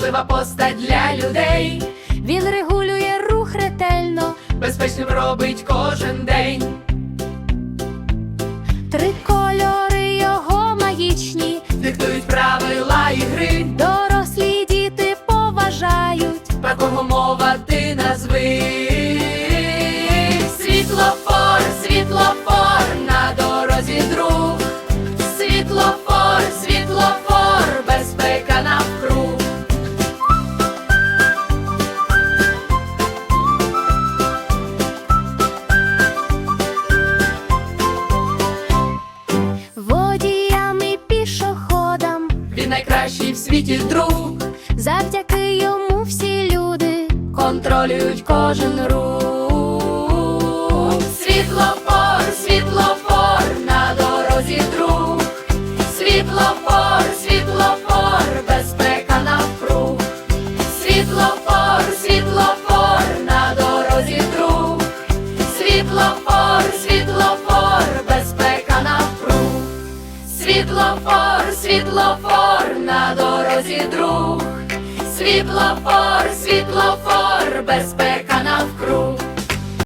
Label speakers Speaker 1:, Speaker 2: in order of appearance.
Speaker 1: важлива постать для людей.
Speaker 2: Він регулює рух ретельно,
Speaker 1: Безпечним робить кожен день.
Speaker 2: три кольори його магічні,
Speaker 1: Диктують правила ігри.
Speaker 2: дорослі й діти поважають.
Speaker 1: Про кого мова ти назви. Світлофор, світлофор, на дорозі друг. Світлофор, світлофор, безпека навкруг.
Speaker 2: Водіям і пішоходам,
Speaker 1: Він найкращий в світі друг.
Speaker 2: завдяки йому всі люди
Speaker 1: Контролюють кожен рух. Світлофор, світлофор, на дорозі друг. Світлофор, світлофор, безпека навкруг. Світлофор, світлофор, на дорозі друг. Світлофор, світлофор, безпека навкруг. Світлофор, світлофор, на дорозі друг. Світлофор, світлофор, безпека навкруг.